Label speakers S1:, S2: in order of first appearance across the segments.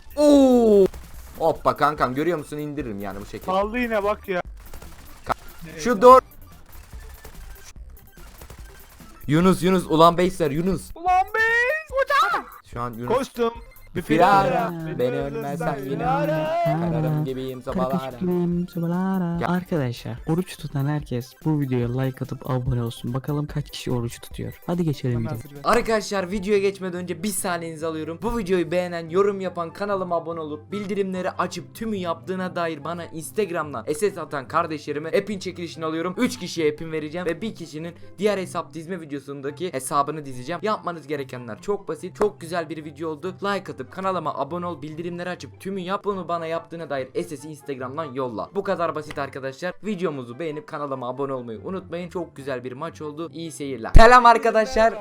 S1: Oo! Hoppa kankam, görüyor musun, indiririm yani bu şekilde.
S2: Kaldı yine bak ya.
S1: Şu doğru. Yunus ulan Beyser Yunus.
S2: Ulan be!
S1: Şu an Yunus.
S2: Koştum. Bir
S1: Firara,
S2: firara.
S1: beni ölmezsen yine
S2: firara.
S1: kararım gibiyim sabahlara. Ya.
S3: Arkadaşlar oruç tutan herkes bu videoya like atıp abone olsun. Bakalım kaç kişi oruç tutuyor. Hadi geçelim
S2: Hemen
S3: videoya.
S2: hazır ver.
S1: Arkadaşlar videoya geçmeden önce bir saniyenizi alıyorum. Bu videoyu beğenen, yorum yapan, kanalıma abone olup bildirimleri açıp tümü yaptığına dair bana Instagram'dan SS atan kardeşlerime app'in çekilişini alıyorum. 3 kişiye app'in vereceğim ve bir kişinin diğer hesap dizme videosundaki hesabını dizeceğim. Yapmanız gerekenler çok basit. Çok güzel bir video oldu. Like atıp kanalıma abone ol, bildirimleri açıp tümü yap. Bunu bana yaptığına dair SS'i Instagram'dan yolla. Bu kadar basit arkadaşlar. Videomuzu beğenip kanalıma abone olmayı unutmayın. Çok güzel bir maç oldu. İyi seyirler. Selam arkadaşlar.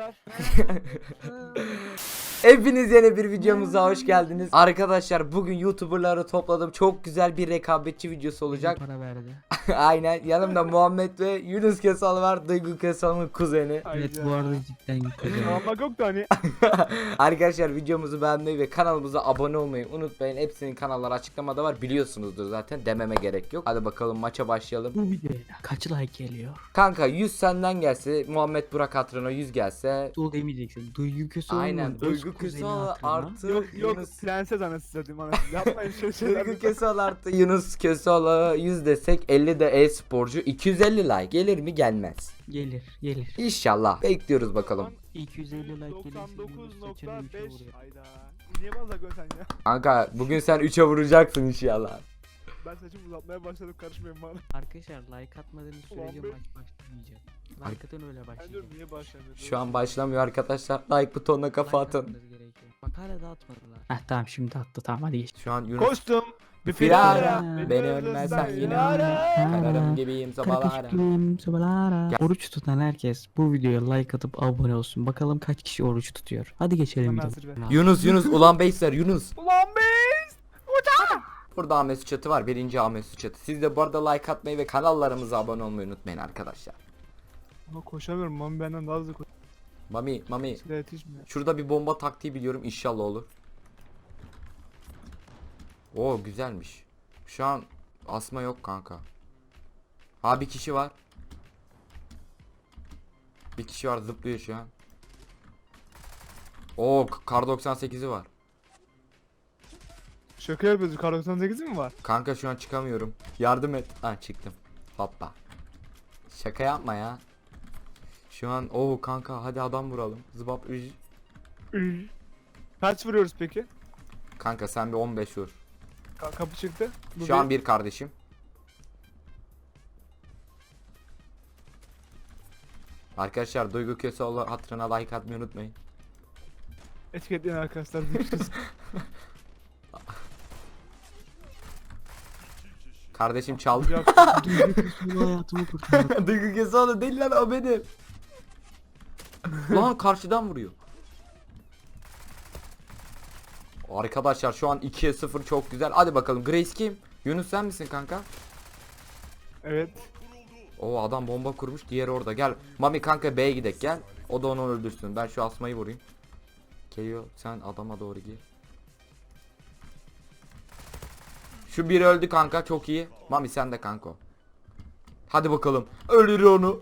S1: Hepiniz yeni bir videomuza hoş geldiniz. Arkadaşlar bugün YouTuber'ları topladım. Çok güzel bir rekabetçi videosu olacak.
S3: Para verdi.
S1: Aynen. Yanımda Muhammed ve Yunus Kesal var. Duygu Kesal'ın kuzeni.
S3: Evet bu arada cidden güzel.
S2: Almak yok da hani.
S1: Arkadaşlar videomuzu beğenmeyi ve kanalımıza abone olmayı unutmayın. Hepsinin kanalları açıklamada var. Biliyorsunuzdur zaten. Dememe gerek yok. Hadi bakalım maça başlayalım.
S3: Bu videoya kaç like geliyor?
S1: Kanka 100 senden gelse, Muhammed Burak hatırına 100 gelse.
S3: Dul demeyeceksin. Duygu Köseoğlu'nun
S1: Aynen.
S3: öz
S1: Duygu
S3: kuzeni
S1: Kesal
S3: hatırına.
S1: artı
S2: Yok
S1: Yunus.
S2: prenses anası satayım anası. Yapmayın şöyle şeyler.
S1: Duygu Kesal artı Yunus Kesal'a 100 desek, 50 de e-sporcu, 250 like gelir mi gelmez.
S3: Gelir.
S1: İnşallah. Bekliyoruz bakalım.
S3: 250 like gelirse Yunus saçını üçe
S2: 99.5.
S3: vuruyor.
S2: Hayda. Niye bazen sen ya?
S1: Kanka bugün sen 3'e vuracaksın inşallah.
S2: Ben saçımı uzatmaya başladım, karışmayın bana.
S3: Arkadaşlar like atmadığınız sürece
S2: Ulan be.
S3: maç başlamayacak. Like atın öyle
S2: Ben
S3: başlayacak.
S2: diyorum niye başlamıyor?
S1: Şu an başlamıyor arkadaşlar. Like butonuna kafa
S3: Like
S1: atın.
S3: atmanız gerekiyor. Bak hala da atmadılar. Heh tamam şimdi attı tamam hadi geç.
S1: Şu an Yunus.
S2: Koştum. Bir
S1: Firara,
S3: Firara,
S1: beni ölmezsen yine
S2: firara.
S1: kararım gibiyim sabahlara. Ya.
S3: Oruç tutan herkes bu videoya like atıp abone olsun. Bakalım kaç kişi oruç tutuyor. Hadi geçelim
S2: Hemen
S3: videoya.
S2: hazır ver.
S1: Yunus ulan Beyser Yunus.
S2: Ulan be!
S1: Burada Ahmet Suçatı var. Birinci Ahmet Suçatı. Siz de bu arada like atmayı ve kanallarımıza abone olmayı unutmayın arkadaşlar.
S2: Ama koşamıyorum, mami benden daha hızlı koşuyor.
S1: Mami
S2: Silah yetişmiyor.
S1: şurada bir bomba taktiği biliyorum, inşallah olur. Oo güzelmiş. Şu an asma yok kanka. Ha bir kişi var. Bir kişi var, zıplıyor şu an. Oo kar 98'i var.
S2: Şaka yapıyoruz, kar 98 mi var?
S1: Kanka şu an çıkamıyorum. Yardım et. Ha çıktım. Hoppa. Şaka yapma ya. Şu an kanka hadi adam vuralım. Zıbap üj.
S2: Kaç vuruyoruz peki?
S1: Kanka sen bir 15 vur.
S2: Kapı çıktı. Bu
S1: Şu an bir kardeşim. Arkadaşlar Duygu Köseoğlu hatırına like atmayı unutmayın.
S2: etiketleyen arkadaşlar. Görüşürüz.
S1: Kardeşim çaldı.
S3: Duygu hayatımı kurtardı.
S1: Duygu Köseoğlu değil lan, o benim. Lan karşıdan vuruyor. Arkadaşlar şu an 2'ye 0, çok güzel. Hadi bakalım, Grace kim? Yunus sen misin kanka?
S2: Evet.
S1: O adam bomba kurmuş, diğeri orada. Gel Mami kanka, B'ye gidek gel. O da onu öldürsün. Ben şu asmayı vurayım. Geliyor, sen adama doğru gir. Şu biri öldü kanka, çok iyi. Mami sen de kanka. Hadi bakalım. Öldür onu.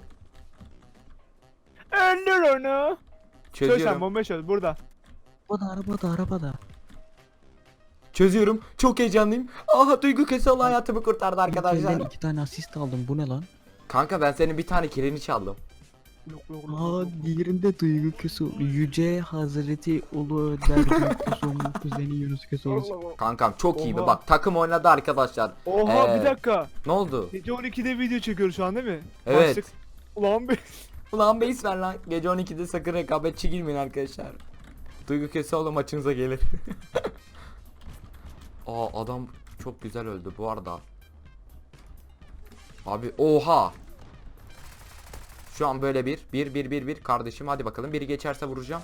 S2: Öldür onu. Çöz sen,
S1: Çözüyorum.
S2: bomba çöz burada.
S3: Arabada.
S1: Çözüyorum. Çok heyecanlıyım. Aha Duygu Köseoğlu hayatımı kurtardı
S3: Arkadaşlar.
S1: arkadaşlar.
S3: 2 tane asist aldım bu ne lan?
S1: Kanka ben senin bir tane kilini çaldım.
S3: Aa diğerinde Duygu Köseoğlu. Yüce Hazreti Ulu Önder Duygu Köseoğlu'nun kuzeni Yunus Köseoğlu.
S1: Kankam çok iyiydi.
S2: Oha.
S1: Bak takım oynadı arkadaşlar.
S2: Oha bir dakika.
S1: Ne oldu?
S2: Gece 12'de video çekiyoruz şu an değil mi?
S1: Evet.
S2: Başlık. Ulan be.
S1: Ulan beis ver lan. Gece 12'de sakın rekabetçi girmeyin arkadaşlar. Duygu Köseoğlu maçınıza gelir. Aa adam çok güzel öldü bu arada. Abi oha. Şu an böyle bir kardeşim, hadi bakalım biri geçerse vuracağım.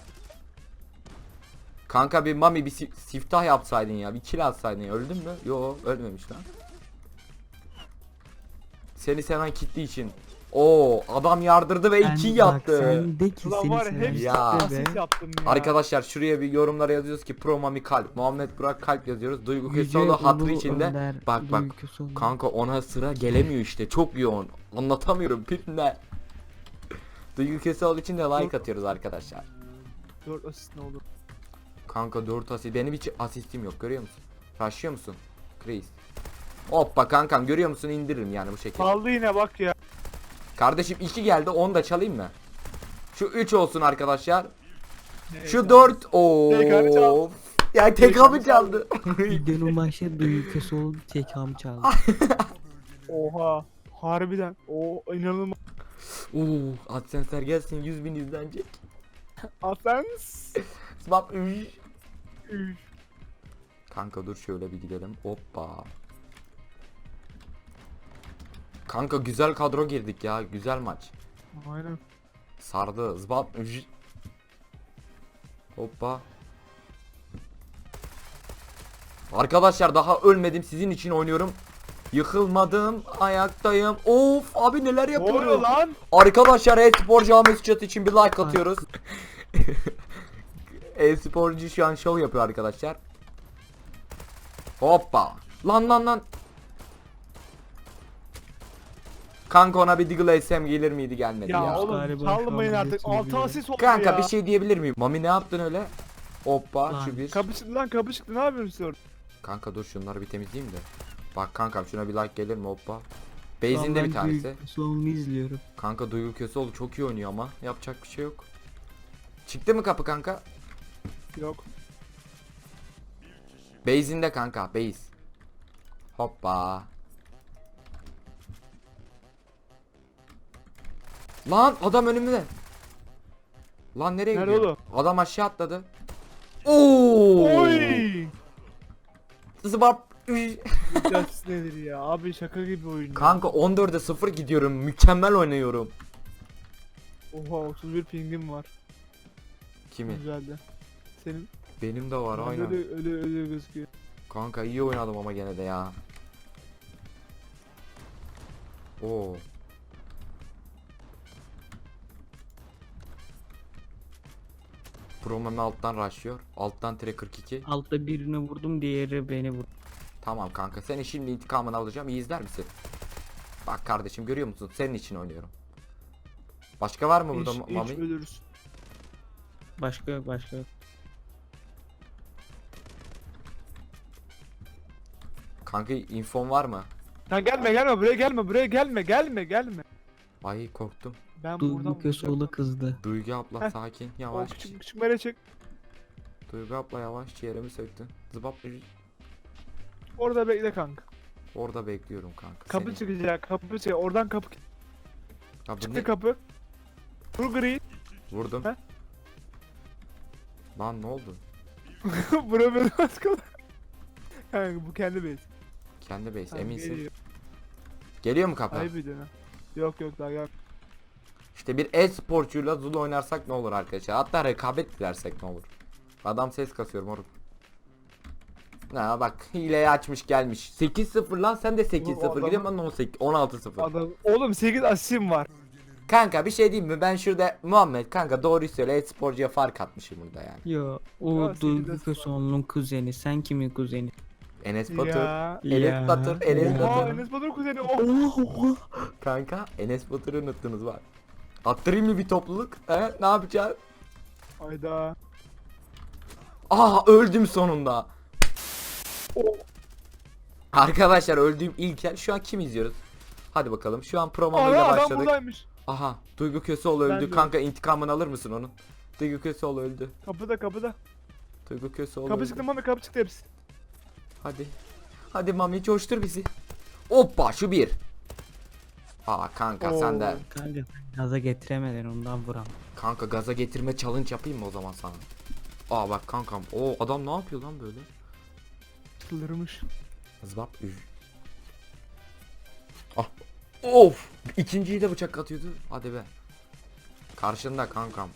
S1: Kanka bir Mami bir siftah yapsaydın ya, bir kill atsaydın ya. Öldün mü? Yo ölmemiş lan. Seni seven kitle için Oo adam yardırdı ve 2 yaptı.
S3: Sen de ki
S2: Ulan
S3: seni
S2: var ya
S3: seven
S2: hepsi
S1: Ya.
S3: kitle be.
S2: asist yaptım ya.
S1: Arkadaşlar şuraya bir yorumlara yazıyoruz ki Pro Mami kalp. Muhammed Burak kalp yazıyoruz. Duygu
S3: Yüce
S1: Köseoğlu hatırı
S3: Ulu
S1: içinde.
S3: Önder
S1: Bak
S3: Duygu Köseoğlu.
S1: kanka ona sıra gelemiyor işte. Çok yoğun. Anlatamıyorum birine. Duygu Köseoğlu için de like atıyoruz arkadaşlar.
S2: 4 asist ne olur.
S1: Kanka 4 asist. Benim hiç asistim yok, görüyor musun? Rushlıyor musun? Chris. Hoppa kankam, görüyor musun? İndiririm yani bu şekilde.
S2: Kaldı yine bak ya.
S1: Kardeşim 2 geldi, 10 da çalayım mı? Şu 3 olsun arkadaşlar. Şu
S2: Neyse.
S1: 4.
S2: TK çaldı.
S1: Oo. Ya TK mı çaldı?
S3: Videonun başı Duygu Köseoğlu tekamı çaldı.
S2: Oha. Harbiden. O inanılmaz.
S1: Oo, AdSense'ler gelsin, 100.000 izlenecek.
S2: Asens.
S1: Swap. Kanka dur şöyle bir gidelim. Hoppa. Kanka güzel kadro girdik ya. Güzel maç.
S2: Aynen.
S1: Sardı. Zbap. Hoppa. Arkadaşlar daha ölmedim. Sizin için oynuyorum. Yıkılmadım. Ayaktayım. Of abi neler
S2: Ne oluyor
S1: yapıyorum.
S2: lan?
S1: Arkadaşlar e-sporcu Ahmet Çatı için bir like atıyoruz. E-sporcu şu an show yapıyor arkadaşlar. Hoppa. Lan. Kanka ona bir Deagle SM gelir miydi, gelmedi ya.
S2: Ya oğlum
S3: Galiba
S2: çalmayın
S3: şu an
S2: artık.
S3: geçiyor
S2: 6
S3: gibi.
S2: asist oldu
S1: Kanka
S2: ya.
S1: bir şey diyebilir miyim? Mami ne yaptın öyle? Hoppa
S3: Lan.
S1: şu bir.
S2: Kapı çıktı lan, kapı çıktı, ne yapıyorsun siz orada?
S1: Kanka dur şunları bir temizleyeyim de. Bak kankam şuna bir like gelir mi, hoppa. Base'inde bir tanesi.
S3: Duygu Köseoğlu'nu izliyorum.
S1: Kanka Duygu Köseoğlu çok iyi oynuyor ama yapacak bir şey yok. Çıktı mı kapı kanka?
S2: Yok.
S1: Base'inde kanka, base. Hoppa. Lan adam önümde. Lan nereye
S2: Nerede
S1: gidiyor?
S2: oğlum?
S1: Adam aşağı atladı. Oo!
S2: Oy!
S1: Zıbap.
S2: Bu asist nedir ya? Abi şaka gibi oyun ya.
S1: Kanka 14'e 0 gidiyorum. Mükemmel oynuyorum.
S2: Oha 31 pingim var.
S1: Kimi?
S2: Güzeldi. Senin
S1: Benim de var aynen.
S2: öyle gözüküyor.
S1: Kanka iyi oynadım ama gene de ya. Oo. Promami alttan rushlıyor. Alttan tire 42.
S3: Altta birini vurdum, diğeri beni vurdu.
S1: Tamam kanka, senin şimdi intikamını alacağım. İyi izler misin? Bak kardeşim, görüyor musun? Senin için oynuyorum. Başka var mı burada
S2: Hiç
S1: Mami?
S2: ölürüz.
S3: Başka yok, başka yok.
S1: Kanka infon var mı?
S2: Lan gelme buraya gelme.
S1: Ay korktum.
S2: Ben
S3: Duygu
S2: buradan
S3: Köseoğlu kızdı.
S1: Duygu abla
S2: Heh.
S1: sakin,
S2: O
S1: yavaş.
S2: küçük mere çık.
S1: Duygu abla yavaş, ciğerimi söktün. Zıbap.
S2: Orada bekle kanka.
S1: Orada bekliyorum kanka.
S2: Kapı
S1: seni.
S2: çıkacak, kapı çıkacak. Oradan kapı
S1: Ya bu
S2: çıktı
S1: ne?
S2: kapı. Vur gri.
S1: Vurdum.
S2: Heh.
S1: Lan ne oldu?
S2: Bura beni baskıla. Kanka bu kendi base.
S1: Kendi base,
S2: Tamam,
S1: eminsin.
S2: geliyor.
S1: Geliyor mu kapı?
S2: Ayıp ediyorsun ha. Yok daha gel.
S1: İşte bir e-sporcuyla Zulu oynarsak ne olur arkadaşlar? Hatta rekabet dilersek ne olur? Adam ses kasıyor moruk. Ha bak, hileyi açmış gelmiş. 8-0 lan, sen de 8-0
S2: adam-
S1: gidiyorum, ben 18 16-0.
S2: Adam, oğlum 8 asistim var.
S1: Kanka bir şey diyeyim mi? Ben şurada Muhammed kanka doğruyu söyle, e-sporcuya fark atmışım burada yani.
S3: Yo, o
S2: Ya,
S3: Duygu
S2: sekiz
S3: Köseoğlu'nun kuzeni. Sen kimin kuzeni?
S1: Enes Batur.
S2: Ya.
S1: Enes Batur, Enes
S2: Oha
S1: Batur.
S2: Enes Batur kuzeni. Oh.
S1: Kanka Enes Batur'u unuttunuz var. Attırayım mı bir topluluk? He? Ne yapacağız?
S2: Hayda.
S1: Aa öldüm sonunda.
S2: Oh.
S1: Arkadaşlar öldüğüm ilk yer. Şu an kim izliyoruz? Hadi bakalım. Şu an promo ile
S2: Ana adam
S1: başladık.
S2: buradaymış.
S1: Aha, Duygu Köseoğlu
S2: Ben
S1: öldü.
S2: de
S1: Kanka intikamını alır mısın onun? Duygu Köseoğlu öldü.
S2: Kapıda.
S1: Duygu Köseoğlu
S2: Kapı
S1: öldü.
S2: çıktı mami, kapı çıktı hepsi.
S1: Hadi. Hadi Mami coştur bizi. Hoppa şu bir. Aa kanka
S2: Oo.
S1: sen de.
S3: Kanka gaza getiremeden ondan vuram.
S1: Kanka gaza getirme challenge yapayım mı o zaman sana? Aa bak kankam. O adam ne yapıyor lan böyle?
S2: Çıldırmış.
S1: Zbap üf. Ah. Of. İkinciyi de bıçak atıyordu. Hadi be. Karşında kankam.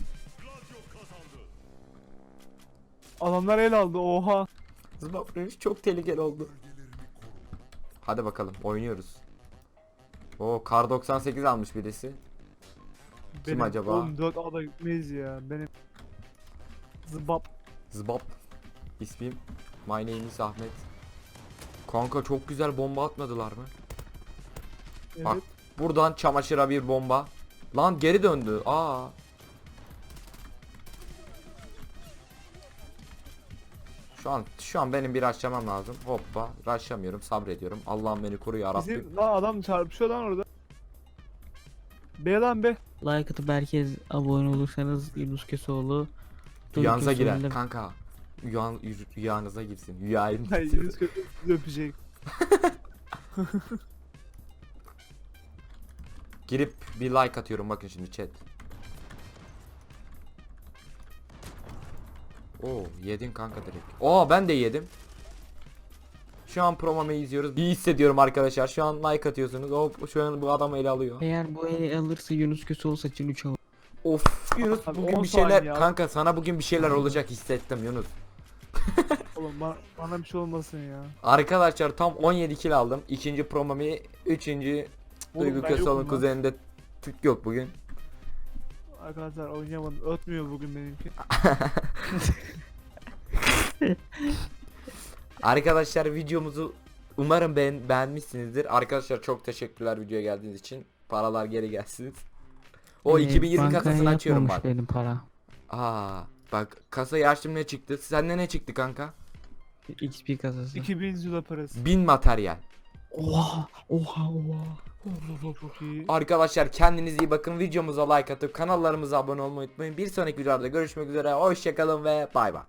S2: Adamlar el aldı oha.
S1: Zbap üf çok tehlikeli oldu. Hadi bakalım oynuyoruz. O kar 98 almış birisi. Kim acaba?
S2: Oğlum 4 ada gitmeyiz ya. Benim zıbap.
S1: Zbap. İsmim. My name is Ahmet. Kanka çok güzel bomba atmadılar mı?
S2: Evet.
S1: Bak. Buradan çamaşıra bir bomba. Lan geri döndü. Aa. Şu an benim bir rushlamam lazım. Hoppa. Rushlamıyorum. Sabrediyorum. Allah'ım beni koru ya Rabbim.
S2: Bizim lan adam çarpışıyor lan orada. Be lan be.
S3: Like atıp herkes abone olursanız Yunus Köseoğlu
S1: Rüyanıza
S3: Duygu
S1: girer
S3: Köseoğlu'yla-
S1: kanka. Rüyanıza girsin. Rüyayım.
S2: Hayır Yunus kötü öpecek.
S1: Girip bir like atıyorum bakın şimdi chat. Oo yedin kanka direkt. Oo ben de yedim. Şu an promomu izliyoruz. İyi hissediyorum arkadaşlar. Şu an like atıyorsunuz. Hop şu an bu adam ele alıyor.
S3: Eğer bu eli alırsa Yunus Köseoğlu saçını 3 alır.
S1: Of Yunus
S2: Abi,
S1: bugün
S2: 10
S1: bir şeyler
S2: saniye abi.
S1: kanka sana bugün bir şeyler olacak hissettim Yunus.
S2: Oğlum bana bir şey olmasın ya.
S1: Arkadaşlar tam 17 kill aldım. İkinci promomu, üçüncü
S2: Oğlum,
S1: Duygu
S2: ben
S1: Köseoğlu'nun
S2: yokum lan.
S1: kuzeninde Türk yok bugün.
S2: Arkadaşlar oynayamadım. Ötmüyor bugün benimki.
S1: Arkadaşlar videomuzu umarım beğenmişsinizdir. Arkadaşlar çok teşekkürler videoya geldiğiniz için. Paralar geri gelsin. O 2020
S3: bankaya
S1: kasasını açıyorum
S3: yatmamış
S1: bak.
S3: benim para.
S1: Aa, bak kasayı açtım ne çıktı? Sende ne çıktı kanka?
S3: XP kasası.
S2: 2000 zula parası.
S1: 1000 materyal.
S3: Oha oha oha.
S2: Çok iyi.
S1: Arkadaşlar kendinize iyi bakın. Videomuza like atıp kanallarımıza abone olmayı unutmayın. Bir sonraki videoda görüşmek üzere. Hoşçakalın ve bay bay.